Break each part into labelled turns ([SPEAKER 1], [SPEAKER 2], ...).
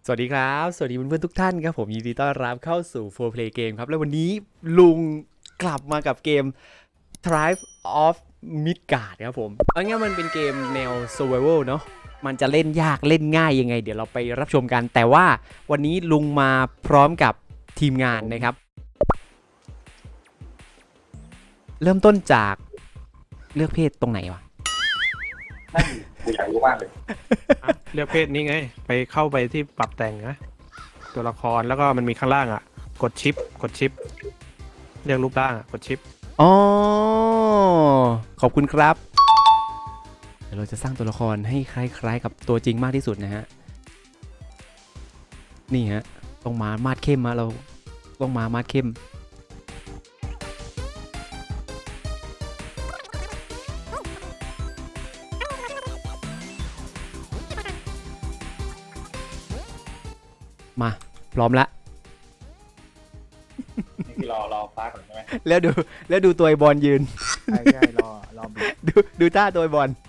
[SPEAKER 1] สวัสดีครับสวัสดีเพื่อนๆทุกท่านครับผมยินดีต้อนรับเข้าสู่ 4 Play Game ครับและวันนี้ลุงกลับมากับเกม Tribe of Midgard ครับผมเอางี้มันเป็นเกมแนว Survival เนาะมันจะเล่นยากเล่นง่ายยังไงเดี๋ยวเราไปรับชมกันแต่ว่าวันนี้ลุงมาพร้อมกับทีมงานนะครับเริ่มต้นจากเลือกเพศตรงไหนวะ
[SPEAKER 2] นั่นกูอยากรู้มากเลย
[SPEAKER 3] เลือกเพศนี้ไงไปเข้าไปที่ปรับแต่งนะตัวละครแล้วก็มันมีข้างล่างอ่ะกดชิปเลือกรูปร่างกดชิป
[SPEAKER 1] อ๋อขอบคุณครับเดี๋ยวเราจะสร้างตัวละครให้คล้ายๆกับตัวจริงมากที่สุดนะฮะนี่ฮะต้องมามาดเข้มมาเราต้องมามาดเข้มมาพร้อมละ
[SPEAKER 2] นี่คือรอฟ้าก่อนใช่ไหม
[SPEAKER 1] แล้วดูตัวไอบอลยืน
[SPEAKER 4] ใช่รอบิด
[SPEAKER 1] ดูท่าตัวไอบอล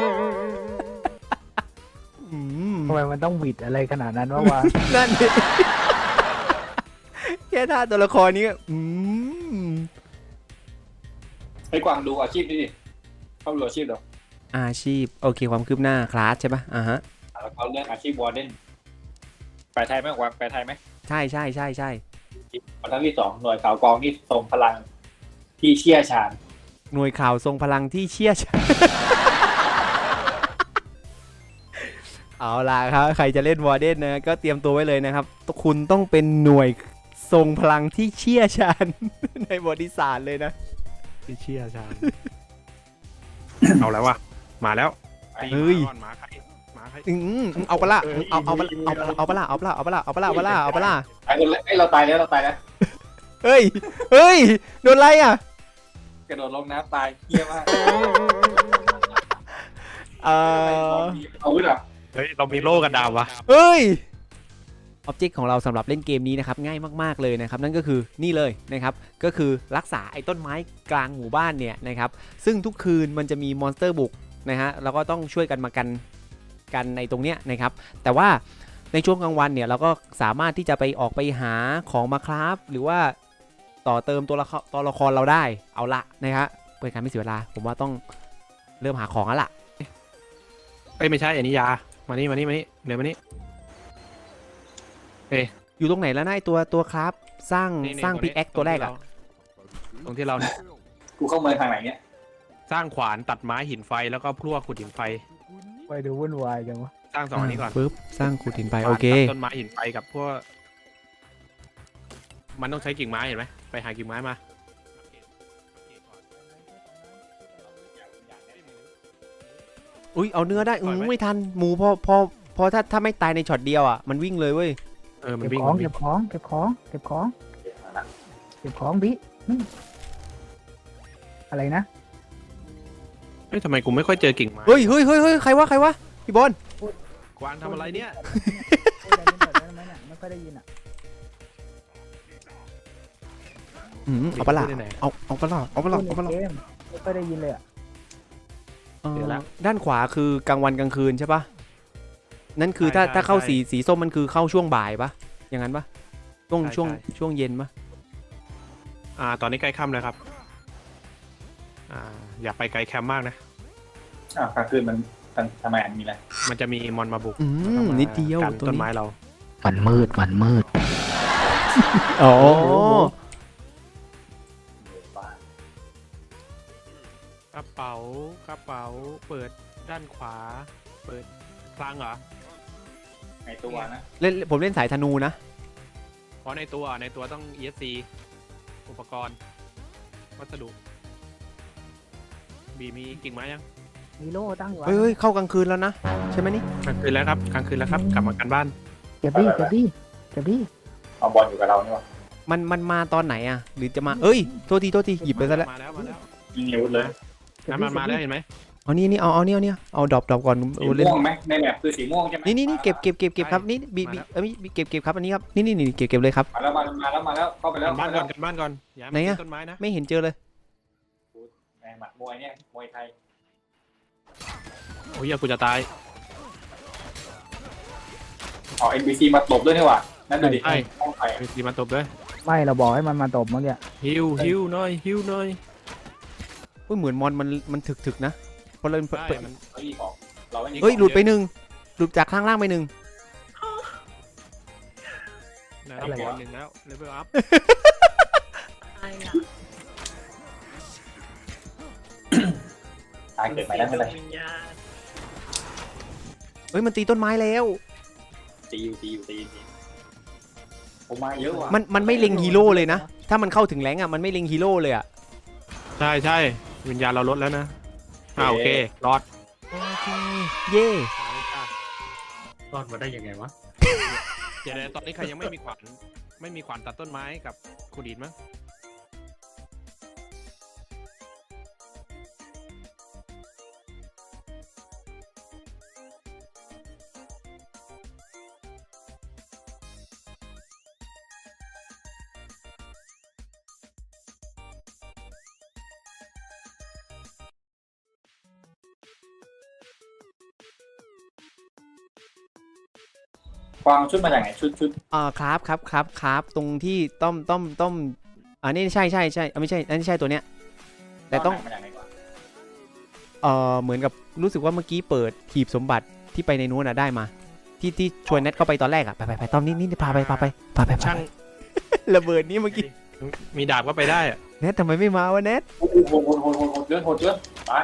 [SPEAKER 4] ทำไมมันต้องบิดอะไรขนาดนั้นวะ
[SPEAKER 1] นั่นดิแค่ท่าตัวละครนี้
[SPEAKER 2] ให้กวางดูอาชีพนี่ดิเข้าดูอาชีพเดี๋ยว
[SPEAKER 1] อาชีพโอเคความคืบหน้าคลาสใช่ปะฮะ
[SPEAKER 2] แล้วเขาเลือกอาชีพวอร์เดนแปลไทยไหมกวางแปลไทยไหม
[SPEAKER 1] ใช่
[SPEAKER 2] บรรทัดที่2หน่วยข่าวกองที่ทรงพลังที่เชี่ยวชาญ
[SPEAKER 1] หน่วยข่าวทรงพลังที่เชี่ยวชาญ เอาล่ะครับใครจะเล่นวอร์เดนนะก็เตรียมตัวไว้เลยนะครับคุณต้องเป็นหน่วยทรงพลังที่เชี่ยวชาญ ในบทศาสตร์เลยนะ
[SPEAKER 3] ที่เชี่ยชาญ เอาแล้ววะมาแล้ว
[SPEAKER 1] เฮ้ย
[SPEAKER 3] หมาใคร
[SPEAKER 1] เอาปะล่ะเอาปะล่ะ
[SPEAKER 2] เราตายแล้ว
[SPEAKER 1] เฮ้ยโดนอะไรอ่ะ
[SPEAKER 2] กระโดดลงน้ำตายเฮี้ยมากเอาขึ้นอ่ะ
[SPEAKER 3] เฮ้ยเรามีโล่กันดาววะ
[SPEAKER 1] เฮ้ยออบเจกต์ของเราสำหรับเล่นเกมนี้นะครับง่ายมากๆเลยนะครับนั่นก็คือนี่เลยนะครับก็คือรักษาไอ้ต้นไม้กลางหมู่บ้านเนี่ยนะครับซึ่งทุกคืนมันจะมีมอนสเตอร์บุกนะฮะแล้วก็ต้องช่วยกันมากันในตรงเนี้ยนะครับแต่ว่าในช่วงกลางวันเนี่ยเราก็สามารถที่จะไปออกไปหาของมาคราฟหรือว่าต่อเติมตัวละครเราได้เอาละนะครับเพื่อการไม่เสียเวลาผมว่าต้องเริ่มหาของแล้วล่ะ
[SPEAKER 3] ไม่ใช่อันนี้ยามานี่เดี๋ยวมานี่
[SPEAKER 1] อยู่ตรงไหนแล้วนะไอตัวคราฟสร้างพิกแอคตัวแรกอะ
[SPEAKER 3] ตรงที่เราเนี่ย
[SPEAKER 2] กูเข้าเมืองทางไหนเนี่ย
[SPEAKER 3] สร้างขวานตัดไม้หินไฟแล้วก็พลั่วขุดหินไฟ
[SPEAKER 4] ไปดูวุ่นวายจังวะ
[SPEAKER 3] สร้าง2อันนี้ก่อน
[SPEAKER 1] ปึ๊บสร้างขุดหินไฟโอเค
[SPEAKER 3] ต้นไม้หินไฟกับพวกมันต้องใช้กิ่งไม้เห็นไหมไปหากิ่งไม้มา
[SPEAKER 1] อุ้ยเอาเนื้อได้ไม่ทันหมูพอถ้าไม่ตายในช็อตเดียวอ่ะมันวิ่งเลยเว้ย
[SPEAKER 3] มันวิ่ง
[SPEAKER 4] เก็บของบิอะไรนะ
[SPEAKER 3] ทำไมกูไม่ค่อยเจอกิ่งไม้
[SPEAKER 1] เฮ้ยใครวะพี่บอล
[SPEAKER 3] กวางทำอะไรเนี่ย
[SPEAKER 4] ไม่ค่อยได้ยินอ่ะ
[SPEAKER 1] เอาปะล่ะเอาปะล่ะ
[SPEAKER 4] ไม่ค่อยได้ยินเลยอ่ะ
[SPEAKER 1] ด้านขวาคือกลางวันกลางคืนใช่ปะนั่นคือถ้าเข้าสีส้มมันคือเข้าช่วงบ่ายปะอย่างนั้นปะช่วงเย็นปะ
[SPEAKER 3] ตอนนี้ใกล้ค่ำแล้วครับอย่าไปไกลแคมป์มากนะ
[SPEAKER 2] กลางคืนมันทำไมมีอะไร
[SPEAKER 3] มันจะมีมอนมาบุก
[SPEAKER 1] นิดเดียว
[SPEAKER 3] ต้นไม้เรา
[SPEAKER 4] มันมืด
[SPEAKER 1] อ๋อก
[SPEAKER 3] ระเป๋าเปิดด้านขวาเปิดคลังเหรอ
[SPEAKER 2] ในตัวนะ
[SPEAKER 1] ผมเล่นสายธนูนะ
[SPEAKER 3] เพราะในตัวต้อง ESC อุปกรณ์วัสดุมีกิ่งไม้ยัง
[SPEAKER 4] มีโล่ตั้งอยู่
[SPEAKER 1] เฮ้ยเข้ากลางคืนแล้วนะใช่ไหมนี่
[SPEAKER 3] กลางคืนแล้วครับกลับมากันบ้าน
[SPEAKER 4] เก็บดิ
[SPEAKER 2] เอาบอลอยู่กับเรานี่วะ
[SPEAKER 1] มันมาตอนไหนอ่ะหรือจะมาโทษทีหยิบไปซะแล้ว
[SPEAKER 3] มาแล้ว
[SPEAKER 2] ยิงเร็วเลย
[SPEAKER 3] มันมาแล้วเห็นไหม
[SPEAKER 1] เอานี่เอาดรอปก่อน
[SPEAKER 2] สีม่วงไหมในแบบคือสีม่วงใช่ไหม
[SPEAKER 1] นี่เก็บครับนี่เก็บครับอันนี้ครับนี่เก็บเลยครับ
[SPEAKER 2] มาแล้วเข้าไปแล้ว
[SPEAKER 3] กันบ้านก่อน
[SPEAKER 1] ไหนอะ
[SPEAKER 3] ต้นไม้นะ
[SPEAKER 1] ไม่เห็นเจอเลย
[SPEAKER 2] หมัดมวยเนี่ยมวยไทย
[SPEAKER 3] โอ้ยกูจะตาย
[SPEAKER 2] อ๋อ NPC มาตบด้วยนี่หว่านั่นดูดิ
[SPEAKER 3] ใช่
[SPEAKER 2] ห้องไฟ
[SPEAKER 3] มีทีมาตบด้วย
[SPEAKER 4] ไม่เราบอกให้มันมาตบเมื่อกี้
[SPEAKER 3] ฮิวหน่อยฮิวหน่อย
[SPEAKER 1] อุ้ยเหมือนมอนมันถึกๆนะพอเล่น
[SPEAKER 3] ใช่มัน
[SPEAKER 2] เฮ้ยของเราไม่มี
[SPEAKER 1] เฮ้ยหลุดไปหนึ่งหลุดจากข้างล่างไปหนึ่ง
[SPEAKER 3] นะเลเวล1แล้วเลเวลอัพ
[SPEAKER 2] ตายเกิดใหม่ได้ไม่เป็นไร
[SPEAKER 1] เฮ้ยมันตีต้นไม้แล้ว
[SPEAKER 2] ตีอยู่ผมมาเยอะว่ะ
[SPEAKER 1] มันไม่เล็งฮีโร่เลยนะถ้ามันเข้าถึงแรงอ่ะมันไม่เล็งฮีโร่เลยอ่ะ
[SPEAKER 3] ใช่วิญญาณเราลดแล้วนะโอเครอด
[SPEAKER 1] โอเคเย่
[SPEAKER 5] รอดมาได้ยังไงวะ
[SPEAKER 3] เดี๋ยวตอนนี้ใครยังไม่มีขวานตัดต้นไม้กับขุดดินมั้ง
[SPEAKER 2] กวางชุดมาจากไหนชุด
[SPEAKER 1] ครับตรงที่ต้มอันนี้ใช่ไม่ใช่อันนี้ใช่ตัวเนี้ยแต่ต้อง
[SPEAKER 2] มาจากไหนวะ
[SPEAKER 1] เหมือนกับรู้สึกว่าเมื่อกี้เปิดหีบสมบัติที่ไปในนู้นน่ะได้มาที่ชวนเน็ตเข้าไปตอนแรกอ่ะไปต้อมนี่พาไป
[SPEAKER 3] ช่าง
[SPEAKER 1] ระเบิดนี่เมื่อกี้
[SPEAKER 3] มีดาบก็ไปได้อะ
[SPEAKER 1] เน็ตทำไมไม่มาวะเน็ต
[SPEAKER 2] โอ้โหโหดเกินตาย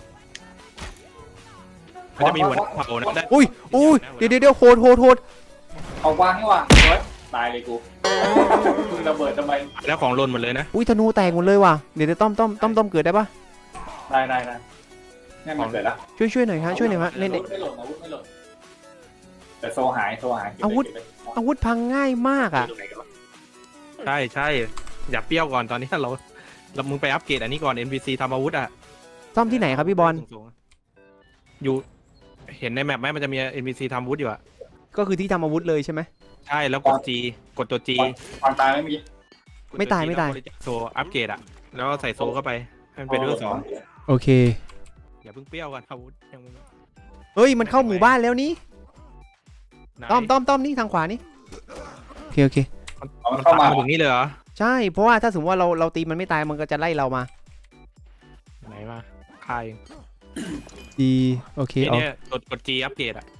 [SPEAKER 3] มันจะมีหัวเผานะได้
[SPEAKER 1] อุ้ยเดี๋ยวโหด
[SPEAKER 2] เอากวางนี่ว่ะเฮ้ยตายเลยกูมึงระเบิดทำไม
[SPEAKER 3] แล้วของหล่นหมดเลยนะ
[SPEAKER 1] อุ้ยธนูแตกหมดเลยว่ะเดี๋ยวต้อมเกิดได้ปะ
[SPEAKER 2] ได้นี่มันเกิดแล้ว
[SPEAKER 1] ช่วยหน่อยฮะเล่น
[SPEAKER 2] ไม่หล่นแต่โซหาย
[SPEAKER 1] อาวุธพังง่ายมากอ่ะ
[SPEAKER 3] ใช่อย่าเปรี้ยวก่อนตอนนี้เรามึงไปอัปเกรดอันนี้ก่อน NPC ทำอาวุธอ่ะ
[SPEAKER 1] ซ่อมที่ไหนครับพี่บอล
[SPEAKER 3] สูงๆอยู่เห็นในแมปไหมมันจะมี NPC ทำอาวุธอยู่อ่ะ
[SPEAKER 1] ก็คือที่ทำอาวุธเลยใช่ไหม
[SPEAKER 3] ใช่แล้วกด G กดตัว G
[SPEAKER 2] กวางตายไม่มี
[SPEAKER 1] ไม่ตาย
[SPEAKER 3] โซอัปเกรดอ่ะแล้วก็ใส่โซเข้าไปให้มันเป็นเรื่องสอง
[SPEAKER 1] โอเค
[SPEAKER 3] อย่าเพิ่งเปรี้ยวกันอาวุธยังไม่
[SPEAKER 1] เฮ้ยมันเข้าหมู่บ้านแล้วนี่
[SPEAKER 3] ไหน
[SPEAKER 1] ต้อมนี่ทางขวานี่โอเค
[SPEAKER 3] มันเข้ามาถึงนี่เลยเหรอ
[SPEAKER 1] ใช่เพราะว่าถ้าสมมติว่าเราตีมันไม่ตายมันก็จะไล่เรามา
[SPEAKER 3] ไหนมาค่าย
[SPEAKER 1] ดีโอเค
[SPEAKER 3] ที
[SPEAKER 1] เอา
[SPEAKER 3] เนี้ยกด G อัปเกรดอ่ะ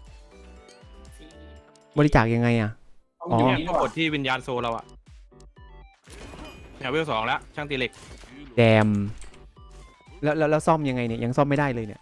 [SPEAKER 1] บริจาคยังไงอ่ะ อ๋อ
[SPEAKER 3] เนี่ยก็กดที่วิญญาณโซเราอ่ะเนี่ยเวล2แล้วช่างตีเหล็ก
[SPEAKER 1] แดมแล้วซ่อมยังไงเนี่ยยังซ่อมไม่ได้เลยเนี่ย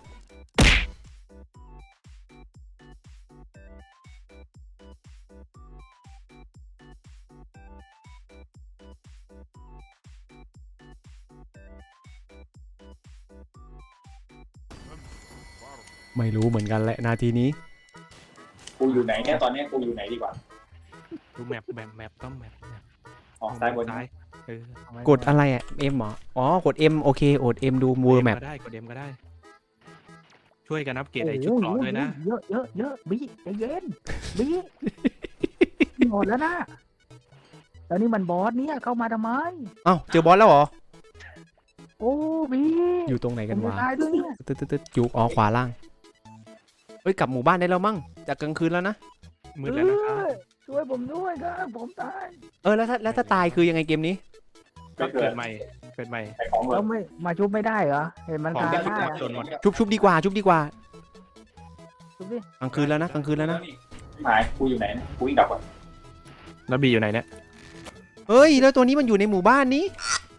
[SPEAKER 1] ไม่รู้เหมือนกันแหละนาทีนี้
[SPEAKER 2] กูอยู่ไหนเนี่ยตอนนี้กูอยู่ไหนดีกว่า
[SPEAKER 3] ดูแมปต้องแมป
[SPEAKER 2] ออกซ้ายบน
[SPEAKER 3] ซ้ายเออก
[SPEAKER 1] ดอะไรอ่ะ M เหรออ๋อกด M โอเคกด M ดูมูแมป
[SPEAKER 3] ก็ได้กดเอ็มก็ได้ ช่วยกันอัปเกรดไอ้ชุดเกราะด้วยนะ
[SPEAKER 4] เยอะบี้ใจเย็นบี้หมดแล้วนะแล้วนี่มันบอสเนี่ยเข้ามาทำไม
[SPEAKER 1] เอ้าเจอบอสแล้วเหรอ
[SPEAKER 4] โอ้บี้
[SPEAKER 1] อยู่ตรงไหน
[SPEAKER 4] ผ
[SPEAKER 1] กัน
[SPEAKER 4] มจะ
[SPEAKER 1] วะ
[SPEAKER 4] ตายด้วยเนี่ย
[SPEAKER 1] ตึ๊ดอยู่อ๋อขวาล่างเอ้ยกลับหมู่บ้านได้แล้วมั้งจากกลางคืนแล้วนะ
[SPEAKER 3] มืดแล้วนะครับ
[SPEAKER 4] ช่วยผมด้วยครับผมตาย
[SPEAKER 1] แล้วถ้าตายคือยังไงเกมนี้
[SPEAKER 3] ก็
[SPEAKER 2] ไม่เกิ
[SPEAKER 3] เกิ
[SPEAKER 2] ด
[SPEAKER 3] ดใหม่เกิดใหม่
[SPEAKER 2] ใส่ของเล
[SPEAKER 4] แล้
[SPEAKER 2] ยว
[SPEAKER 4] ไม่มาชุบไม่ได้เหรอเห็นมัน
[SPEAKER 3] ของ
[SPEAKER 4] ตาย
[SPEAKER 3] ที่
[SPEAKER 4] ได้
[SPEAKER 3] จนหมด
[SPEAKER 1] ชุบดีกว่ากลางคืนแล้วนะ
[SPEAKER 4] ชุบดิ
[SPEAKER 2] หายกูอยู่ไหนนะกูวิ่งกลับก่อน
[SPEAKER 3] แล้วบีอยู่ไหนเนี่ย
[SPEAKER 1] เฮ้ยแล้วตัวนี้มันอยู่ในหมู่บ้านนี้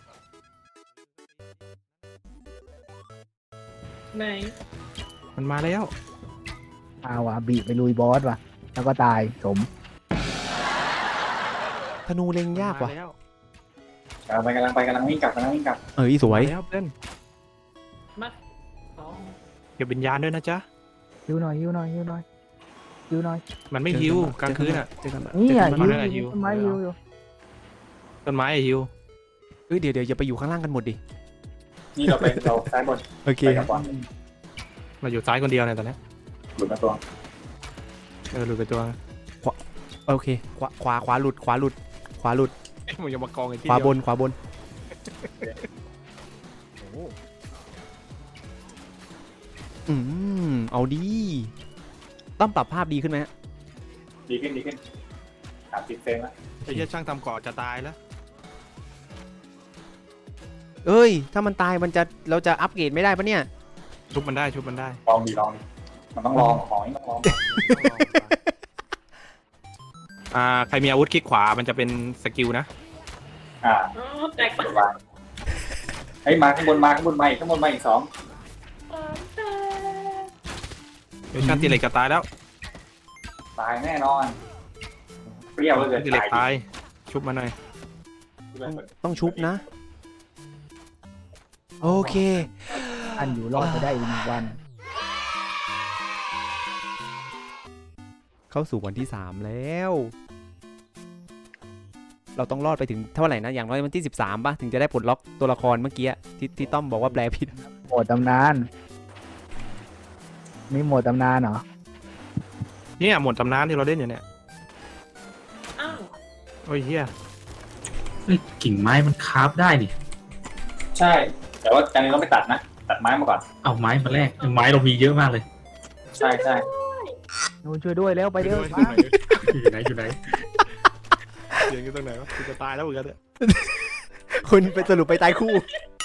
[SPEAKER 5] ไหน
[SPEAKER 3] มันมาแล้ว
[SPEAKER 4] เอาว่ะบีไปลุยบอสว่ะแล้วก็ตายสม
[SPEAKER 1] ธนูเล็งยากว่ะ
[SPEAKER 3] มแล้ว
[SPEAKER 2] กำลังวิ่งกลับ
[SPEAKER 1] สวย
[SPEAKER 3] มาแล้วเพื่อน
[SPEAKER 5] อ๋อ
[SPEAKER 3] เก็บวิญญาณด้วยนะจ๊ะ
[SPEAKER 4] ฮิวหน่อย
[SPEAKER 3] มันไม่ฮิวกลางคืนอ่ะ
[SPEAKER 1] เจอกัน
[SPEAKER 4] นี่อ่ะ
[SPEAKER 3] มั
[SPEAKER 4] ฮิ
[SPEAKER 3] น
[SPEAKER 4] ว
[SPEAKER 3] นั่นแหละฮิว
[SPEAKER 4] ต้นไม้ฮิวอยู่
[SPEAKER 3] ต้นไม้ไอ้ฮิว
[SPEAKER 1] เดี๋ยวอย่าไปอยู่ข้างล่างกันหมดดิ
[SPEAKER 2] นี่เราซ้ายบน
[SPEAKER 1] โอเค
[SPEAKER 2] ไปกับก่อน
[SPEAKER 3] เราอยู่ซ้ายคนเดียวเนี่ยตอนเนี้ย
[SPEAKER 2] หลุดมาตัว
[SPEAKER 3] หลุดไปตัว
[SPEAKER 1] โอเคขวาหลุด
[SPEAKER 3] มันยังมากองไอ้ที่
[SPEAKER 1] ขวา
[SPEAKER 3] เดียว
[SPEAKER 1] บนเอาดีต้องปรับภาพดีขึ้นไหมฮะ
[SPEAKER 2] ดีขึ้น30 เฟรมแล้ว
[SPEAKER 3] ไอ้เหี้ยช่างทำเกาะจะตายแล้ว
[SPEAKER 1] เอ้ยถ้ามันตายเราจะอัปเกรดไม่ได้ปะเนี่ย
[SPEAKER 3] ชุบมันได้
[SPEAKER 2] ลองดิมันต้องลองของต้องลอง
[SPEAKER 3] ใครมีอาวุธคลิกขวามันจะเป็นสกิลนะ
[SPEAKER 2] แตกวางเฮ้ยมาข้างบนมาอีก2
[SPEAKER 3] เดี๋ยวชาติเหล็กจะตายแล้ว
[SPEAKER 2] ตายแน่นอนเปรี้ยวเลย
[SPEAKER 3] ชาติเหล็กตายชุบมาหน่อย
[SPEAKER 1] ต้องชุบนะ โอเค
[SPEAKER 4] อันอยู่รอดไปได้อีก1 วัน
[SPEAKER 1] เข้าสู่วันที่ 3 แล้ว เราต้องรอดไปถึงเท่าไหร่นะ อย่างน้อยวันที่ 13 ป่ะ ถึงจะได้ปลดล็อกตัวละครเมื่อกี้ที่ต้อมบอกว่าแปลผิด
[SPEAKER 4] โหมดตำนานมีโหมดตำนานเหรอ
[SPEAKER 3] เนี่ยหมดตำนานที่เราเล่นอยู่เนี่ยโอ้ยเฮีย
[SPEAKER 5] เฮ้ยกิ่งไม้มันคราฟได้นี่
[SPEAKER 2] ใช่ แต่ว่าการนี้ต้องไปตัดไม้มาก่อน
[SPEAKER 5] เอาไม้มาแลกไม้เรามีเยอะมากเลย
[SPEAKER 2] ใช่
[SPEAKER 4] นูนช่วยด้วยแล้วไปเร็ว
[SPEAKER 5] อยู่ไหน
[SPEAKER 3] เสียงกันตรงไหนวะกูจะตายแล้วเหมือนกันเนี่ย
[SPEAKER 1] คุณไปสรุปไปตายคู่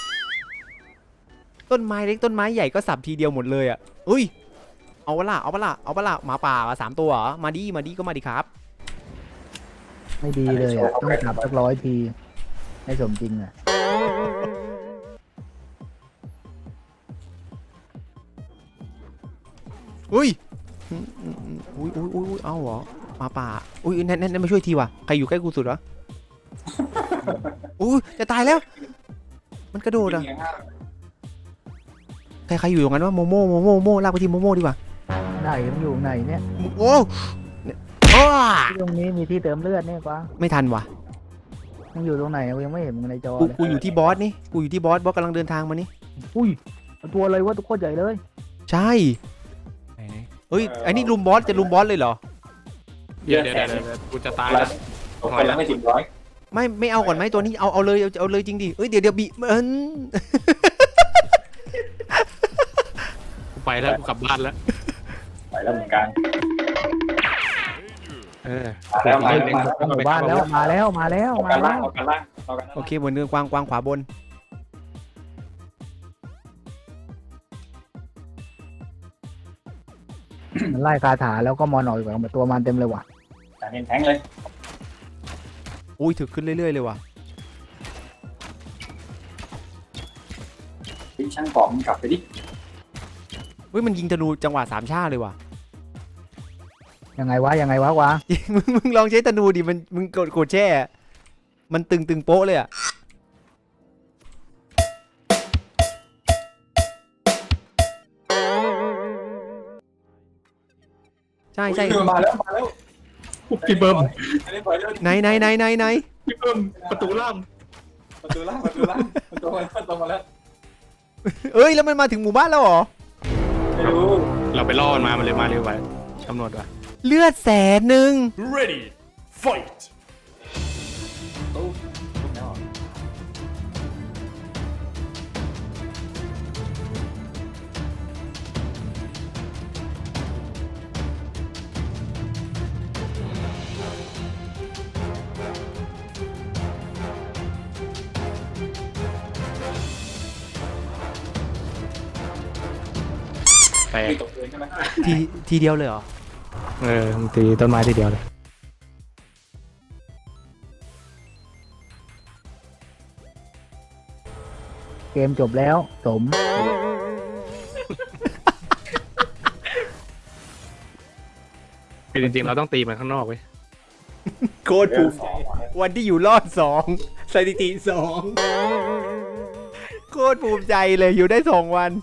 [SPEAKER 1] ต้นไม้เล็กต้นไม้ใหญ่ก็สับทีเดียวหมดเลยอ่ะอุ้ย เอาปะล่ะหมาป่า3 ตัวเหรอ มาดีก็มาดีครับ
[SPEAKER 4] ไม่ดีเลยอ่ะต้องจับสัก100 ทีให้สมจริงอ่ะ
[SPEAKER 1] อุ้ยเอาเหรอหมาป่าอุ้ยแน่นมาช่วยทีว่ะใครอยู่ใกล้กูสุดวะ อุ้ยจะตายแล้ว มันกระโดดอ่ะใครอยู่ตรงนั้นว่าโมโม่ลากไปที่โมโม่ดีกว่า
[SPEAKER 4] ไหนมันอยู่ไหนเนี่ย
[SPEAKER 1] โอ้อ้า
[SPEAKER 4] ที่ตรงนี้มีที่เติมเลือดเนี่ยกวาง
[SPEAKER 1] ไม่ทันว่ะ
[SPEAKER 4] มันอยู่ตรงไหนกูยังไม่เห็นมึงในจอเลย
[SPEAKER 1] กูอยู่ที่บอสนี่กูอยู่ที่บอสกำลังเดินทางมานี่
[SPEAKER 4] อุ้ยตัวอะไรวะตัวโคตรใหญ่เลย
[SPEAKER 1] ใช่เฮ้ยไอ้นี่ลุมบอสจะลุมบอสเลยเหรอ
[SPEAKER 3] เดี๋ยวกูจะตายแล้ว
[SPEAKER 2] ตกไปแล้วไม่ถึง100
[SPEAKER 1] ไม่เอาก่อนไหมตัวนี้เอาเลยจริงดิเอ้ยเดี๋ยวบี
[SPEAKER 3] กูไปแล้วกูกลับบ้านแล้ว
[SPEAKER 2] ไปแล้วเหมือนกัน
[SPEAKER 3] มาแล้ว
[SPEAKER 4] หมู่บ้านแล้วมาแล้ว
[SPEAKER 2] เอากันล่าง
[SPEAKER 1] โอเคเหมือนเดิมกวางขวาบน
[SPEAKER 4] มันไล่คาถาแล้วก็มอนออกจากตัวมันเต็มเลยว่ะ
[SPEAKER 2] การเน้นแทงเลย
[SPEAKER 1] อุ้ยถึกขึ้นเรื่อยๆเลยว่ะ
[SPEAKER 2] ช่างกรอบมันกลับไปดิ
[SPEAKER 1] เฮ้ยมันยิงธนูจังหวะ3 ชาเลยว่ะ
[SPEAKER 4] ยังไงวะกวาง
[SPEAKER 1] มึงลองใช้ธนูดิมึงกดแช่มันตึงโป๊ะเลยอ่ะใช่
[SPEAKER 2] มาแล้ว
[SPEAKER 5] พี่เบิ้ม
[SPEAKER 1] ไหน
[SPEAKER 5] พี่เบิ้มประตูล่าง
[SPEAKER 2] ประตูล่างมันตรงมาแล้ว
[SPEAKER 1] เอ้ยแล้วมันมาถึงหมู่บ้านแล้วเหรอ
[SPEAKER 2] ไม่รู้
[SPEAKER 3] เราไปล่อมันมาเลยมาเร็วไปกำหนดว่ะ
[SPEAKER 1] เลือด100,000
[SPEAKER 5] ready fight
[SPEAKER 3] แตก
[SPEAKER 2] ไม่ตกเลยใช่ไหม
[SPEAKER 1] ทีเดียวเลยเหรอ
[SPEAKER 3] มึงตีต้นไม้ทีเดียวเลย
[SPEAKER 4] เกมจบแล้วสม
[SPEAKER 3] คือจริงๆเราต้องตีมันข้างนอกเว้ย
[SPEAKER 1] โคตรภูมิใจวันที่อยู่รอด2สถิติ2โคตรภูมิใจเลยอยู่ได้2 วัน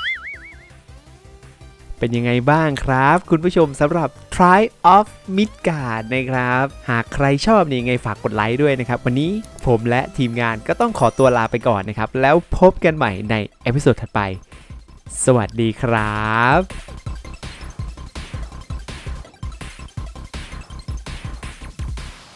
[SPEAKER 1] เป็นยังไงบ้างครับ คุณผู้ชมสำหรับ Try of Midgard นะครับ หากใครชอบนี่ยังไงฝากกดไลค์ด้วยนะครับ วันนี้ผมและทีมงานก็ต้องขอตัวลาไปก่อนนะครับ แล้วพบกันใหม่ในเอพิโซดถัดไป สวัสดีครับ